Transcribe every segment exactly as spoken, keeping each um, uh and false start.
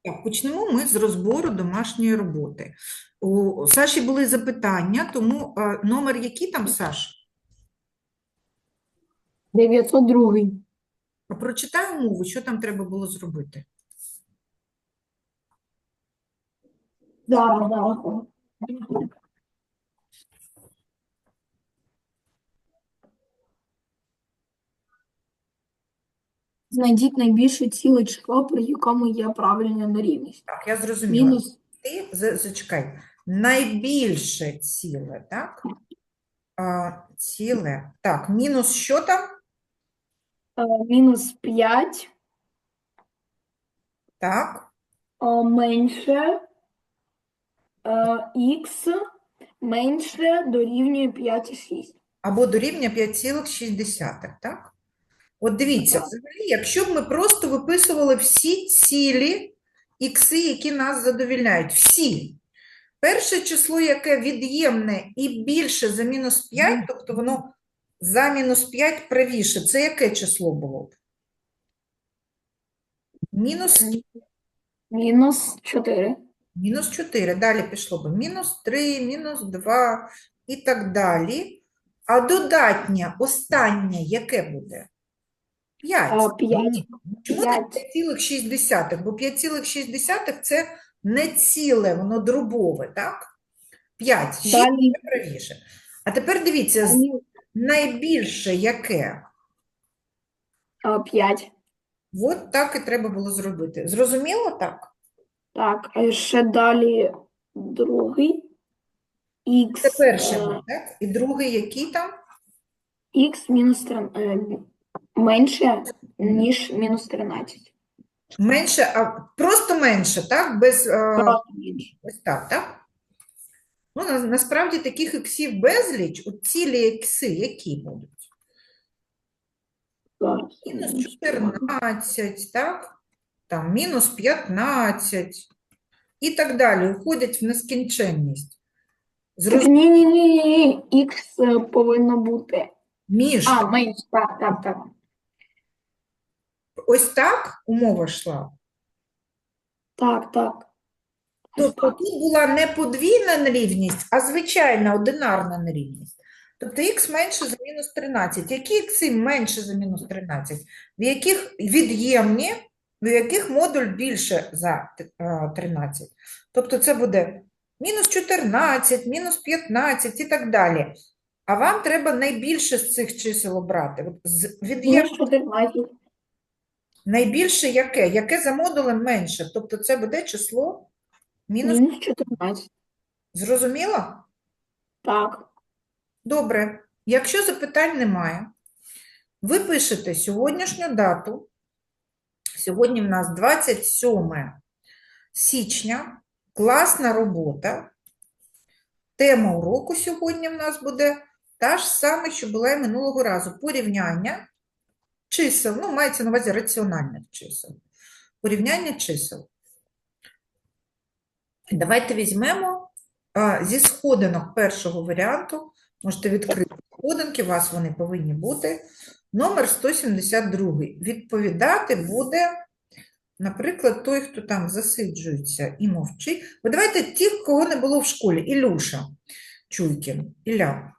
Так, почнемо ми з розбору домашньої роботи. У Саші були запитання, тому а, номер який там, Саш? дев'ятсот два. А прочитай умову, що там треба було зробити. Зараз, зараз. Знайдіть найбільше ціле число, при якому є правильна нерівність. Так, я зрозуміла. Мінус Ти за- зачекай. Найбільше ціле, так? А, ціле. Так, мінус що там? е, мінус п'ять Так. е, менше х менше дорівнює п'ять і шість. Або дорівнює п'ять цілих шість десятих, так? От дивіться, Так. взагалі, якщо б ми просто виписували всі цілі ікси, які нас задовільняють, всі. Перше число, яке від'ємне і більше за мінус п'ять, тобто воно за мінус п'ять правіше, це яке число було б? Мінус, Мінус чотири. мінус чотири. Далі пішло б мінус три, мінус два і так далі. А додатнє, останнє, яке буде? п'ять. п'ять. Чому не п'ять. п'ять цілих шість десятих? Бо п'ять цілих шість десятих це не ціле, воно дробове, так? п'ять, шість Далі це правіше. А тепер дивіться, з- далі, найбільше яке? е, п'ять. От так і треба було зробити. Зрозуміло так? Так, а ще далі другий. Це Х, перший був, так? І другий який там? х мінус три, е, менше, ніж мінус тринадцять. Менше, а просто менше, так? Без, е, Просто менше. ось так, так? Ну, на- насправді таких іксів безліч, от цілі ікси, які будуть? Зараз. Мінус чотирнадцять, так? Там мінус п'ятнадцять і так далі, уходять в нескінченність. Так, Зрозуміло, ні, ні, ні, ні, х повинно бути. між. А, менше, так, так, так. Ось так умова йшла. Так, так. Ось Тобто так. тут була не подвійна нерівність, а звичайна одинарна нерівність. Тобто х менше за мінус тринадцять. Які ікси менше за мінус тринадцять? В яких від'ємні, в яких модуль більше за е, тринадцять? Тобто це буде мінус чотирнадцять, мінус п'ятнадцять і так далі. А вам треба найбільше з цих чисел обрати. От з від'єм... Мінус чотирнадцять. Найбільше яке? Яке за модулем менше? Тобто це буде число мінус. Мінус чотирнадцять. Зрозуміло? Так. Добре. Якщо запитань немає, ви пишете сьогоднішню дату. Сьогодні в нас двадцять сьоме січня. Класна робота. Тема уроку сьогодні в нас буде та ж саме, що була і минулого разу. Порівняння чисел. Ну, мається на увазі раціональних чисел. Порівняння чисел. Давайте візьмемо а, зі сходинок першого варіанту. Можете відкрити сходинки, у вас вони повинні бути. Номер сто сімдесят другий. Відповідати буде, наприклад, той, хто там засиджується і мовчить. Ви давайте тих, кого не було в школі. Ілюша Чуйкін. Ілля.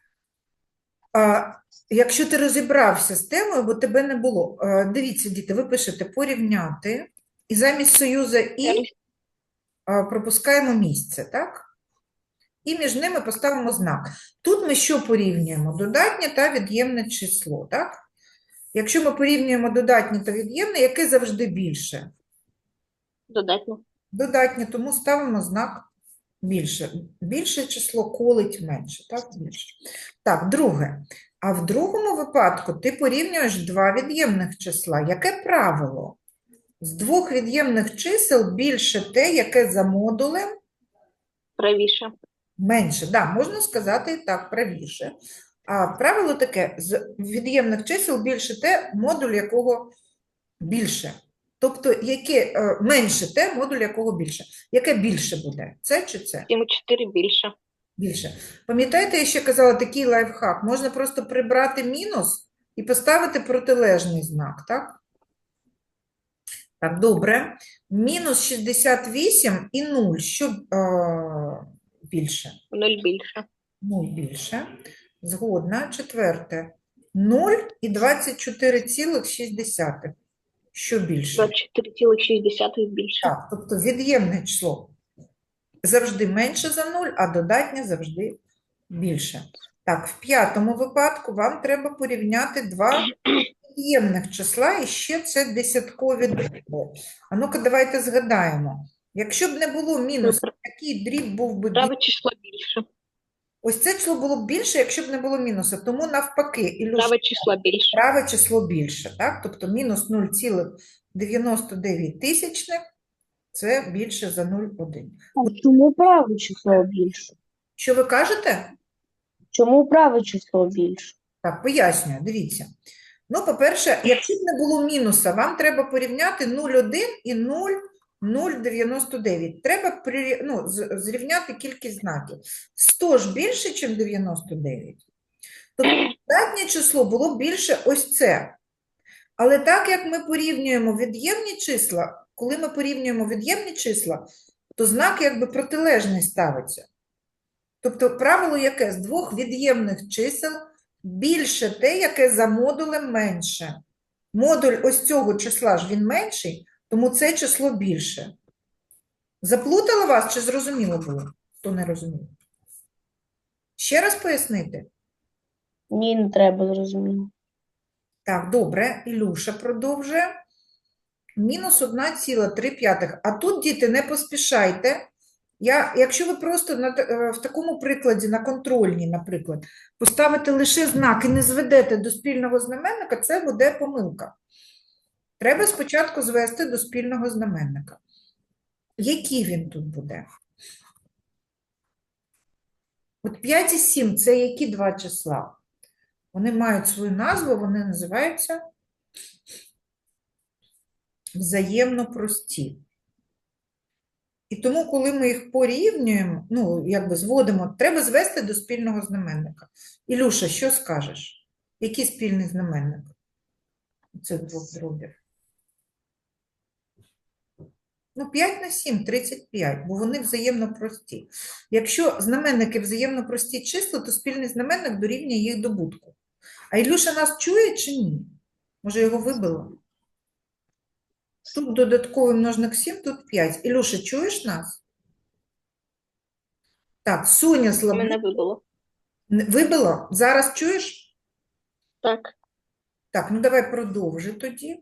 А, якщо ти розібрався з темою, бо тебе не було. А, дивіться, діти, ви пишете порівняти. І замість союзу і а, пропускаємо місце, так? І між ними поставимо знак. Тут ми що порівнюємо? Додатнє та від'ємне число, так? Якщо ми порівнюємо додатнє та від'ємне, яке завжди більше? Додатньо. Додатнє, тому ставимо знак більше. Більше число колить менше, так? Більше. Так, друге. А в другому випадку ти порівнюєш два від'ємних числа. Яке правило? З двох від'ємних чисел більше те, яке за модулем Правіше. менше, да, можна сказати і так, правіше. А правило таке, з від'ємних чисел більше те, модуль якого більше. Тобто, яке е, менше те, модуль якого більше. Яке більше буде? Це чи це? сім і чотири більше. Більше. Пам'ятаєте, я ще казала такий лайфхак? Можна просто прибрати мінус і поставити протилежний знак, так? Так, добре. Мінус шістдесят вісім і нуль. Що е, більше? нуль більше. нуль більше. Згодна. Четверте. нуль і двадцять чотири цілих шість десятих. Що більше? двадцять чотири цілих шість десятих більше. Так, тобто від'ємне число завжди менше за нуль, а додатнє завжди більше. Так, в п'ятому випадку вам треба порівняти два від'ємних числа, і ще це десяткові дроби. А ну-ка, давайте згадаємо. Якщо б не було мінусу, Добре. який дріб був би більше? Праве число більше. Ось це число було б більше, якщо б не було мінусу. Тому навпаки, Ілюш, Праве число більше. праве число більше, так? Тобто мінус нуль цілих дев'яносто дев'ять тисячних – це більше за нуль цілих один. А чому праве число більше? Що ви кажете? Чому праве число більше? Так, пояснюю, дивіться. Ну, по-перше, якщо б не було мінуса, вам треба порівняти нуль цілих один і нуль цілих дев'яносто дев'ять. Треба при, ну, з- зрівняти кількість знаків. сто ж більше, ніж дев'яносто дев'ять. Тобто додатнє число було більше ось це. Але так як ми порівнюємо від'ємні числа, коли ми порівнюємо від'ємні числа, то знак якби протилежний ставиться. Тобто правило яке? З двох від'ємних чисел більше те, яке за модулем менше. Модуль ось цього числа ж він менший, тому це число більше. Заплутала вас чи зрозуміло було? Хто не розумів? Ще раз пояснити? Ні, не треба, зрозуміло. Так, добре, Ілюша продовжує. Мінус одна ціла три п'ятих. А тут, діти, не поспішайте. Я, якщо ви просто на, та- е, в такому прикладі, на контрольній, наприклад, поставите лише знак і не зведете до спільного знаменника, це буде помилка. Треба спочатку звести до спільного знаменника. Який він тут буде? От п'ять і сім – це які два числа? Вони мають свою назву, вони називаються взаємно прості. І тому, коли ми їх порівнюємо, ну, якби зводимо, треба звести до спільного знаменника. Ілюша, що скажеш? Який спільний знаменник цих двох дробів? Ну, п'ять на сім – тридцять п'ять, бо вони взаємно прості. Якщо знаменники взаємно прості числа, то спільний знаменник дорівнює їх добутку. А Ілюша нас чує чи ні? Може, його вибило? Тут додатковий множник сім, тут п'ять. Ілюша, чуєш нас? Так, Соня слабо. Мене вибило. Вибило? Зараз чуєш? Так. Так, ну давай продовжи тоді.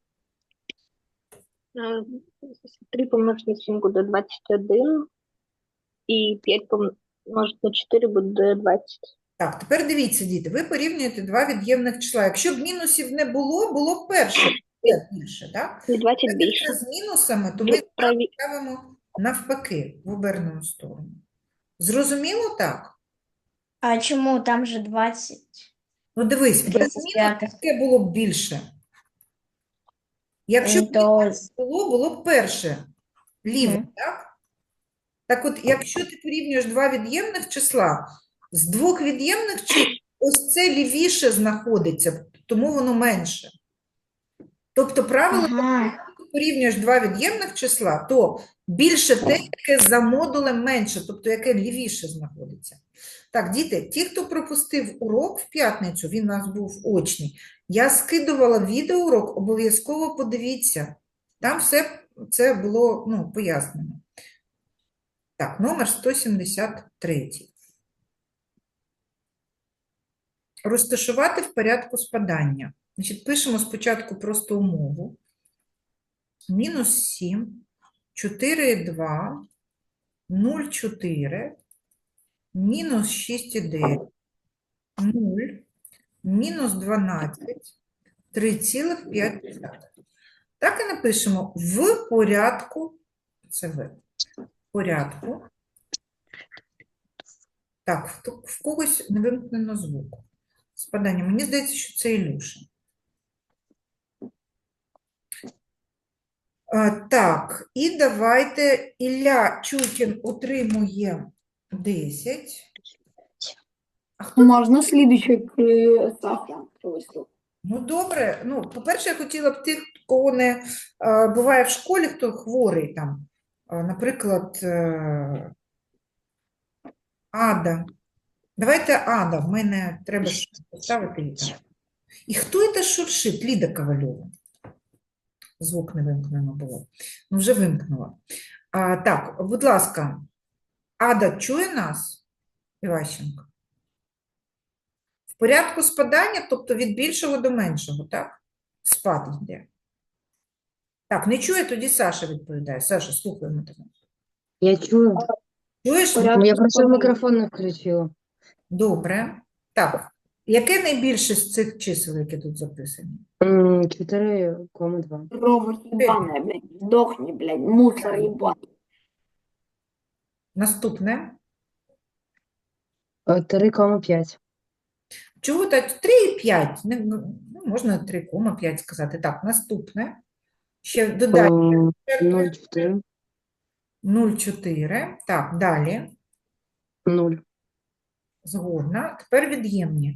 Е, три помножити на сім буде двадцять один. І п'ять помножити на чотири буде двадцять. Так, тепер дивіться, діти, ви порівнюєте два від'ємних числа. Якщо б мінусів не було, було б перше п'ять більше, так? І двадцять Так, більше. якщо з мінусами, то ми Праві... ставимо навпаки, в обернену сторону. Зрозуміло так? А чому там же двадцять? Ну дивись, без тридцять мінусів п'ятих. таке було б більше. Якщо б То мінусів було, було б перше, ліве, Мгм. так? Так от, якщо ти порівнюєш два від'ємних числа, з двох від'ємних чисел ось це лівіше знаходиться, тому воно менше. Тобто правило, ага. якщо ти порівнюєш два від'ємних числа, то більше те, яке за модулем менше, тобто яке лівіше знаходиться. Так, діти, ті, хто пропустив урок в п'ятницю, він у нас був очний, я скидувала відеоурок, обов'язково подивіться. Там все це було, ну, пояснено. Так, номер сто сімдесят три. Розташувати в порядку спадання. Значить, пишемо спочатку просто умову. Мінус сім, чотири, два, нуль, чотири, мінус шість, дев'ять, нуль, мінус дванадцять, три цілих п'ять десятих. Так і напишемо в порядку, це в, порядку. Так, в, в когось не вимкнено звук. Спадання. Мені здається, що це Ілюша. А, так, і давайте Ілля Чукін отримує десять. А хто? Можна слідуючий Сафя привезти. Ну, добре. Ну, по-перше, я хотіла б тих, кого не е, буває в школі, хто хворий там. Е, Наприклад, е, Ада. Давайте Ада, в мене треба ж поставити її там. І хто це шуршить? Ліда Ковальова. Звук не вимкнено було. Ну, вже вимкнула. А, так, будь ласка, Ада чує нас? Іващенко? В порядку спадання, тобто від більшого до меншого, так? Спад йде. Так, не чує, тоді Саша відповідає. Саша, слухаємо тебе. Я чую. Чуєш? Порядку Я просто спадання. мікрофон не включила. Добре. Так, яке найбільше з цих чисел, які тут записані? М, чотири кома два. Корова ебаная, блядь, сдохни, блядь, мусор ебаный. Наступне. Е, три кома п'ять. Чого так? три і п'ять. Не, ну, можна три кома п'ять сказати. Так, наступне. Ще додай Е, нуль чотири. нуль цілих чотири. Так, далі. нуль. Згодна. Тепер від'ємні.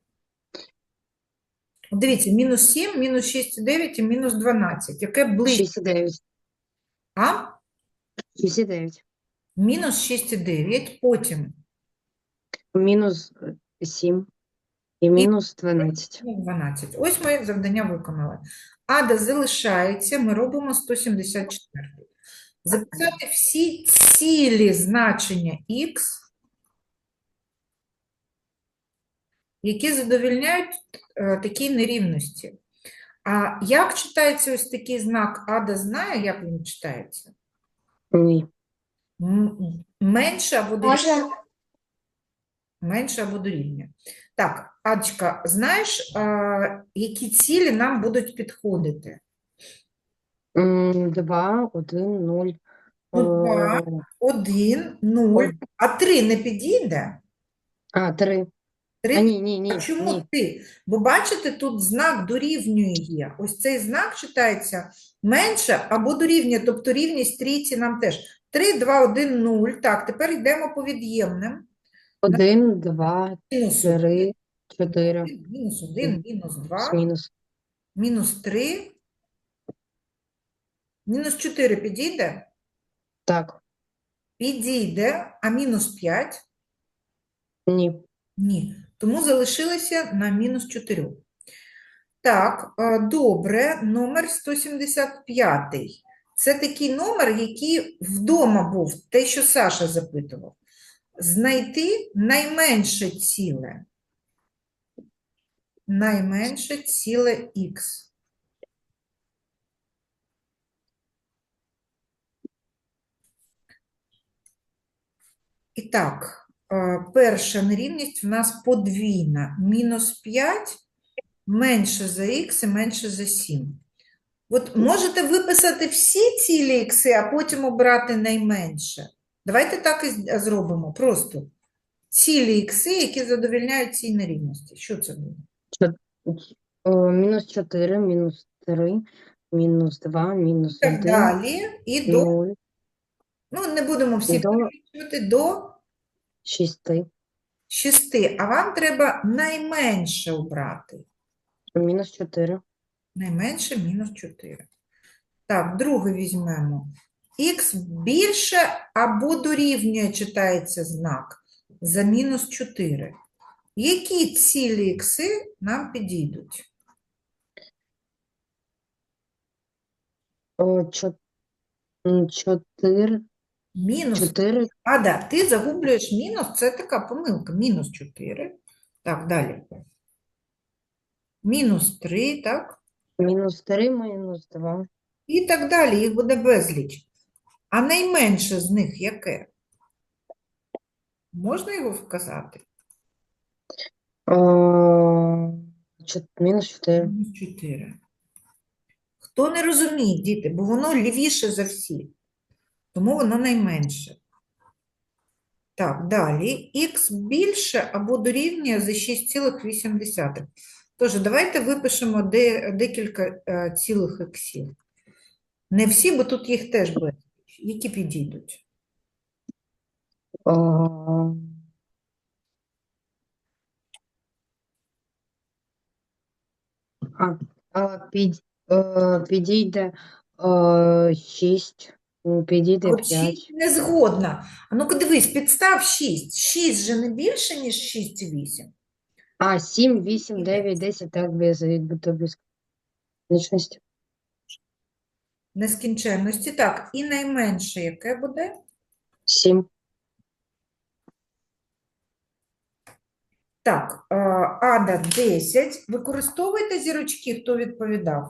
Дивіться, мінус сім, мінус шість цілих дев'ять і мінус дванадцять. Яке ближче? шість і дев'ять. А? шість і дев'ять. Мінус шість цілих дев'ять. Потім Мінус сім. І мінус дванадцять. ну, дванадцять. Ось ми завдання виконали. Ада залишається, ми робимо сто сімдесят чотири. Записати всі цілі значення х, які задовільняють е, такі нерівності. А як читається ось такий знак Ада знає, як він читається? Ні. М- Менше або дорівнює? Можна? Менше або дорівнює. Так, Адочка, знаєш, а, які цілі нам будуть підходити? М, два, один, нуль. Ну, два. Е, Один, нуль, а три не підійде? А, три. А, Три. ні, ні, ні. А чому Ні. ти? Бо бачите, тут знак дорівнює є. Ось цей знак читається менше або дорівнює, тобто рівність трійці нам теж. три, два, один, нуль. Так, тепер йдемо по від'ємним. Один, два, Мінус три, чотири. один, мінус один, мінус два, Мінус. мінус три, мінус чотири підійде? Так. Підійде, а мінус п'ять? Ні. Ні. Тому залишилося на мінус чотири. Так, е, добре, номер сто сімдесят п'ять. Це такий номер, який вдома був, те, що Саша запитував. Знайти найменше ціле. Найменше ціле х. І так, е, перша нерівність в нас подвійна. Мінус п'ять менше за х і менше за сім. От можете виписати всі цілі ікси, а потім обрати найменше. Давайте так і з- зробимо. Просто цілі ікси, які задовільняють цій нерівності. Що це буде? О, мінус чотири, мінус три, мінус два, мінус Так один, далі. І до, нуль, ну не будемо всі до перелічувати, до шести, шести. А вам треба найменше обрати. мінус чотири, Найменше мінус чотири. Так, друге візьмемо. Х більше або дорівнює, читається знак, за мінус чотири. Які цілі ікси нам підійдуть? О, чо- м, чотири, Мінус. чотири, А, да, ти загублюєш мінус, це така помилка. Мінус чотири. Так, далі. Мінус три, так? мінус три, мінус два, І так далі, їх буде безліч. А найменше з них яке? Можна його вказати? О, чот- мінус чотири. Мінус чотири. Хто не розуміє, діти, бо воно лівіше за всі. Тому воно найменше. Так, далі. Х більше або дорівнює за шість цілих вісім десятих. Тож, давайте випишемо де, декілька е, цілих іксів. Не всі, бо тут їх теж безліч. Які підійдуть? О, а, а, під, Е, підійде е, шість, м, підійде От п'ять. шість не згодна. А ну-ка дивись, підстав шість. шість же не більше, ніж шість і вісім. А, сім, вісім, дев'ять, десять, так, без відбуто безкінечності. Нескінченності. Так, і найменше яке буде? сім. Так, е, Ада десять. Використовуйте зірочки, хто відповідав?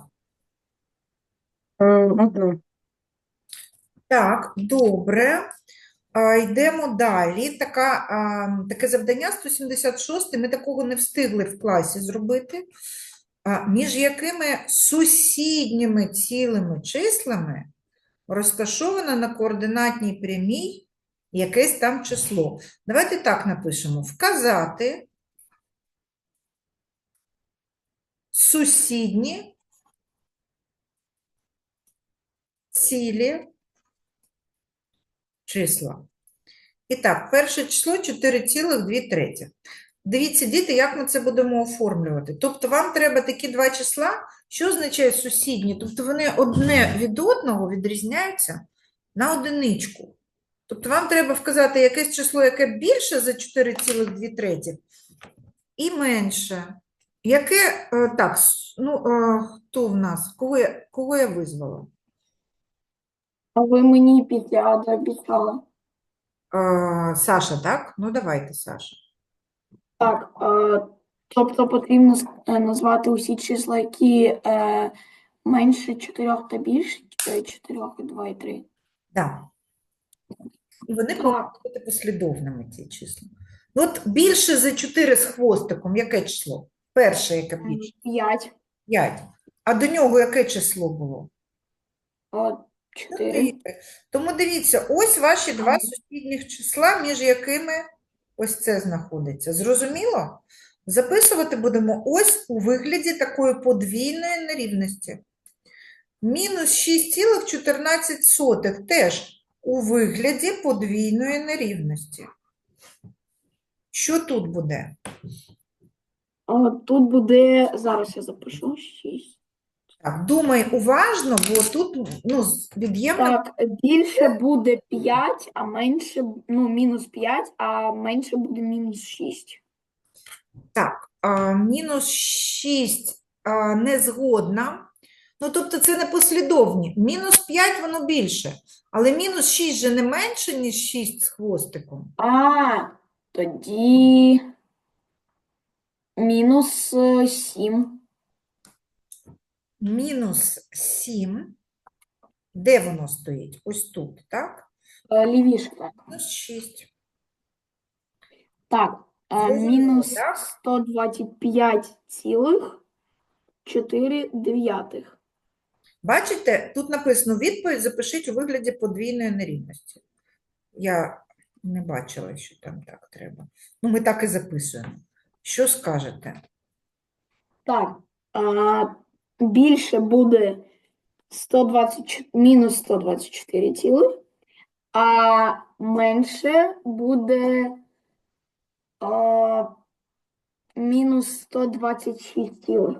Одну. Так, добре. А, йдемо далі. Така, а, таке завдання сто сімдесят шість. Ми такого не встигли в класі зробити. А, між якими сусідніми цілими числами розташовано на координатній прямій якесь там число. Давайте так напишемо. Вказати сусідні цілі числа. І так, перше число чотири цілих дві третіх. Дивіться, діти, як ми це будемо оформлювати. Тобто вам треба такі два числа, що означає сусідні? Тобто вони одне від одного відрізняються на одиничку. Тобто вам треба вказати якесь число, яке більше за чотири цілих дві третіх і менше. Яке, е, так, с- ну, е, хто в нас? Кого я, кого я визвала? А ви мені після обіцяли. Е, Саша, так? Ну, давайте, Саша. Так, е, тобто потрібно с- е, назвати усі числа, які е, менше чотирьох та більше, чотири, два і три. Так. І вони повинні Так, бути послідовними, ці числа. Ну, От більше за чотири з хвостиком, яке число? Перше, яке більше? п'ять, п'ять. А до нього яке число було? чотири. чотири. Тому дивіться, ось ваші два сусідніх числа, між якими ось це знаходиться. Зрозуміло? Записувати будемо ось у вигляді такої подвійної нерівності. Мінус шість цілих чотирнадцять сотих теж у вигляді подвійної нерівності. Що тут буде? А тут буде, зараз я запишу, шість. Так, думай уважно, бо тут ну, з- від'ємна. Так, більше буде п'ять, а менше, ну, мінус п'ять, а менше буде мінус шість. Так, а, мінус шість а, не згодна. Ну, тобто це не послідовні. Мінус п'ять воно більше, але мінус шість же не менше, ніж шість з хвостиком. А, тоді мінус е, сім. Мінус сім. Де воно стоїть? Ось тут, так? Е, Лівіше, так. Мінус шість. Так, е, Зрозуміло, мінус так? сто двадцять п'ять цілих чотири дев'ятих. Бачите, тут написано відповідь, запишіть у вигляді подвійної нерівності. Я не бачила, що там так треба. Ну, ми так і записуємо. Що скажете? Так, а, більше буде сто двадцять, чотири мінус сто двадцять чотири цілих, а менше буде а, мінус сто двадцять шість цілих.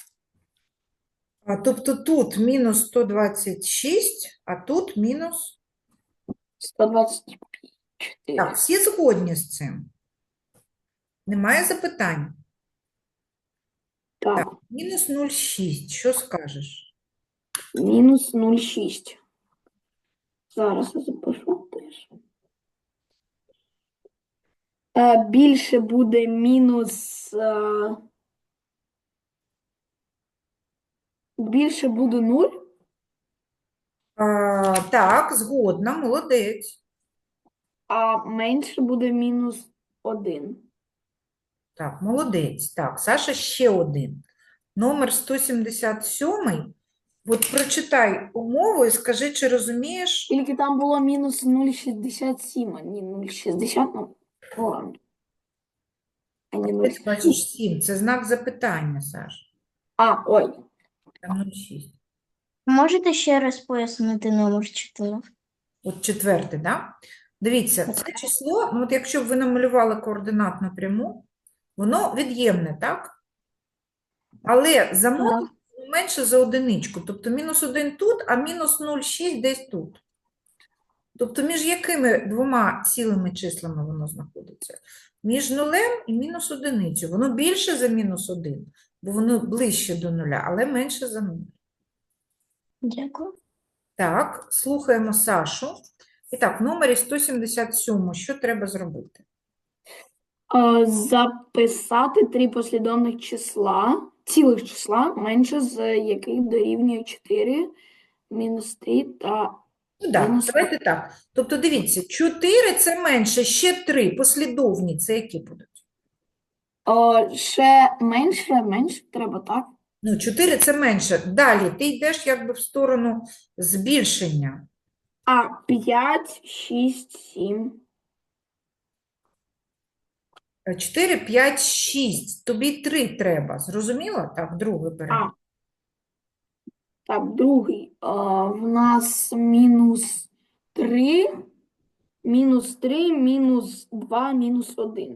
А, тобто тут мінус сто двадцять шість, а тут мінус... сто двадцять чотири. Так, всі згодні з цим? Немає запитань? Так, Так, мінус нуль цілих шість. Що скажеш? мінус нуль цілих шість. Зараз я запишу теж. Е, Більше буде мінус. е, Більше буде нуль, А, так, згодна, молодець. а менше буде мінус один. Так, молодець. Так, Саша ще один. Номер сто сімдесят сім. От прочитай умову і скажи, чи розумієш? Тільки там було мінус нуль цілих шістдесят сім, а не нуль цілих шістдесят, ну, ладно. А не нуль Ти цілих бачиш шістдесят. сім. Це знак запитання, Саш. А, ой. Там нуль цілих шість. Можете ще раз пояснити номер чотири? От четверте, да? Дивіться, це число, ну от якщо б ви намалювали координатну пряму, воно від'ємне, так? Але за модулем воно менше за одиничку. Тобто мінус один тут, а мінус нуль цілих шість десь тут. Тобто між якими двома цілими числами воно знаходиться? Між нулем і мінус одиницю. Воно більше за мінус один, бо воно ближче до нуля, але менше за нуль. Дякую. Так, слухаємо Сашу. І так, в номері сто сімдесят сім що треба зробити? Е, Записати три послідовних числа, цілих числа, менше з яких дорівнює чотири, мінус три та Ну, так, Мінус давайте так. Тобто, дивіться, чотири – це менше, ще три послідовні, це які будуть? Е, ще менше, менше треба, так? Ну, чотири – це менше. Далі ти йдеш якби в сторону збільшення. А п'ять, шість, сім. чотири, п'ять, шість. Тобі три треба. Зрозуміло? Так, друге беремо. А. Так, другий. Е, в нас мінус три, мінус три, мінус два, мінус один.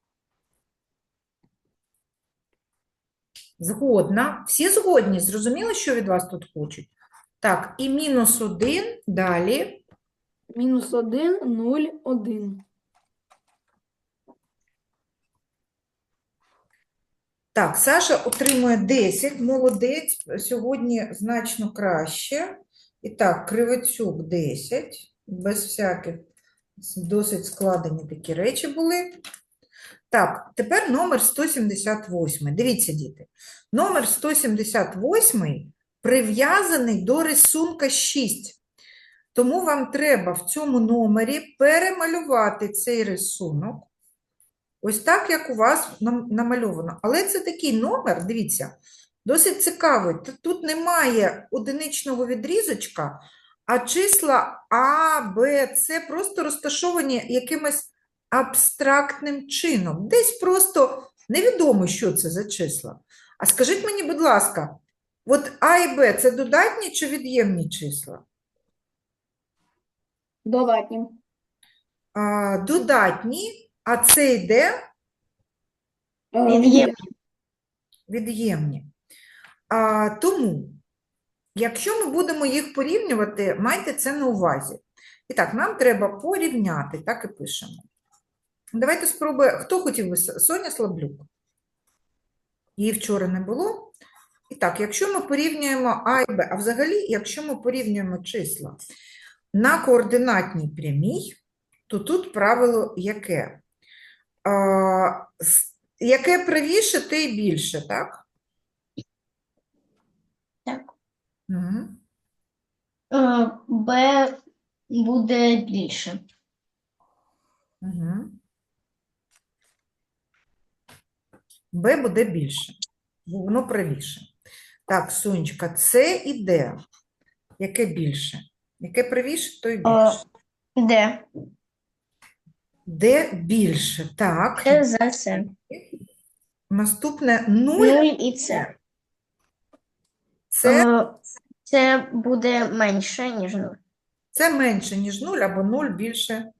Згодна. Всі згодні? Зрозуміло, що від вас тут хочуть? Так, і мінус один. Далі. Мінус один, нуль, один. Так, Саша отримує десять. Молодець. Сьогодні значно краще. І так, Кривицюк десять. Без всяких досить складені такі речі були. Так, тепер номер сто сімдесят вісім. Дивіться, діти. Номер сто сімдесят вісім прив'язаний до рисунка шість. Тому вам треба в цьому номері перемалювати цей рисунок. Ось так, як у вас нам- намальовано. Але це такий номер, дивіться, досить цікавий. Т- Тут немає одиничного відрізочка, а числа А, Б, С просто розташовані якимось абстрактним чином. Десь просто невідомо, що це за числа. А скажіть мені, будь ласка, от А і Б – це додатні чи від'ємні числа? Додатні. А, додатні, а це йде Е, Від'ємні. від'ємні. А, тому, якщо ми будемо їх порівнювати, майте це на увазі. І так, нам треба порівняти, так і пишемо. Давайте спробуємо. Хто хотів би? С- Соня Слаблюк. Її вчора не було. І так, якщо ми порівнюємо А і Б, а взагалі, якщо ми порівнюємо числа на координатній прямій, то тут правило яке? А, с- яке правіше, те й більше, так? Так. Угу. Е, Б буде більше. Угу. Б буде більше, бо воно правіше. Так, Сонечка, С і Д. Яке більше? Яке правіше, то й Е, більше. Д. Д більше. Так. Це за це. Наступне нуль. Нуль і це. Це, Е, Це буде менше, ніж нуль. це менше, ніж нуль, або нуль більше.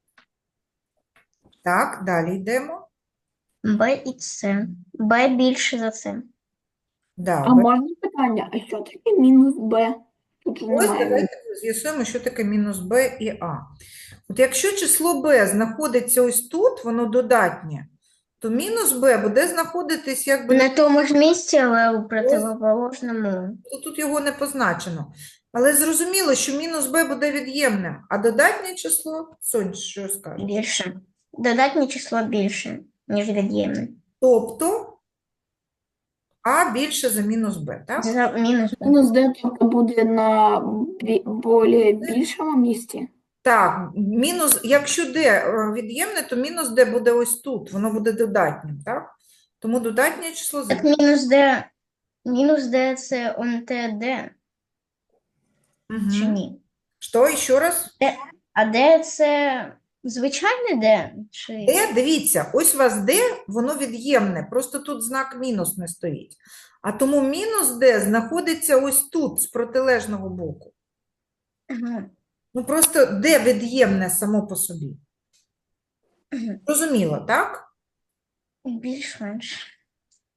Так, далі йдемо. Б і це. Б більше за це. Да, А Б. можна питання, а що таке мінус Б? Тут же Ось немає. давайте з'ясуємо, що таке мінус Б і А. От якщо число Б знаходиться ось тут, воно додатнє, то мінус Б буде знаходитись якби На тому ж місці, але у противоположному. то тут його не позначено. Але зрозуміло, що мінус Б буде від'ємним, а додатнє число, Сонь, що скажеш? Більше. Додатнє число більше, ніж від'ємне. Тобто А більше за мінус Б, так? За мінус Б. Мінус Д тобто буде на бі- более більшому місці. Так, мінус, якщо Д е, від'ємне, то мінус Д буде ось тут, воно буде додатнім, так? Тому додатнє число Так з... мінус Д, мінус Д це он те Д, чи Угу. ні? Що, ще раз? А Д це звичайне Д? Чи... Д, дивіться, ось у вас Д, воно від'ємне, просто тут знак мінус не стоїть. А тому мінус Д знаходиться ось тут, з протилежного боку. Ага. Ну, просто Д від'ємне само по собі. Мгм. Розуміло, так? Більш-менш.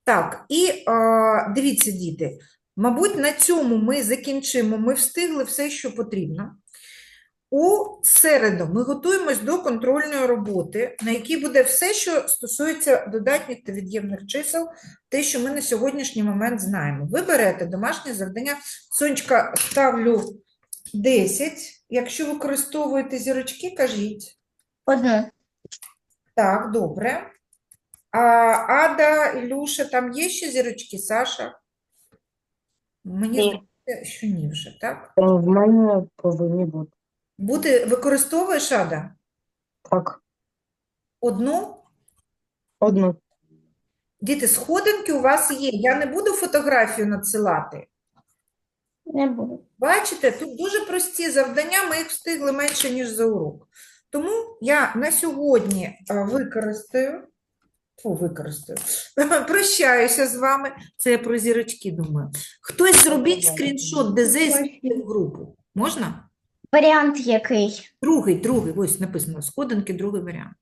Так, і а, дивіться, діти, мабуть, на цьому ми закінчимо. Ми встигли все, що потрібно. У середу ми готуємось до контрольної роботи, на якій буде все, що стосується додатніх та від'ємних чисел, те, що ми на сьогоднішній момент знаємо. Ви берете домашнє завдання. Сонечка, ставлю десять. Якщо використовуєте зірочки, кажіть. Одну. Так, добре. А Ада, Ілюша, там є ще зірочки, Саша? Мені Ні. здається, що ні вже, так? Е, В мене повинні бути. Буде, використовуєш, Ада? Так, Одну? одну. Діти, сходинки у вас є. Я не буду фотографію надсилати. Не буду. Бачите, тут дуже прості завдання, ми їх встигли менше, ніж за урок. Тому я на сьогодні а, використаю, Фу, використаю, прощаюся з вами. Це я про зірочки думаю. Хтось зробіть скріншот ДЗ і скиньте в групу. Можна? Варіант який? Другий, другий, ось написано, сходинки, другий варіант.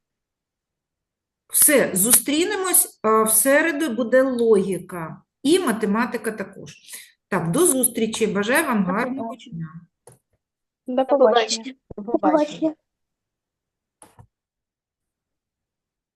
Все, зустрінемось, а, в середу буде логіка і математика також. Так, до зустрічі, бажаю вам гарного дня. До побачення. До побачення.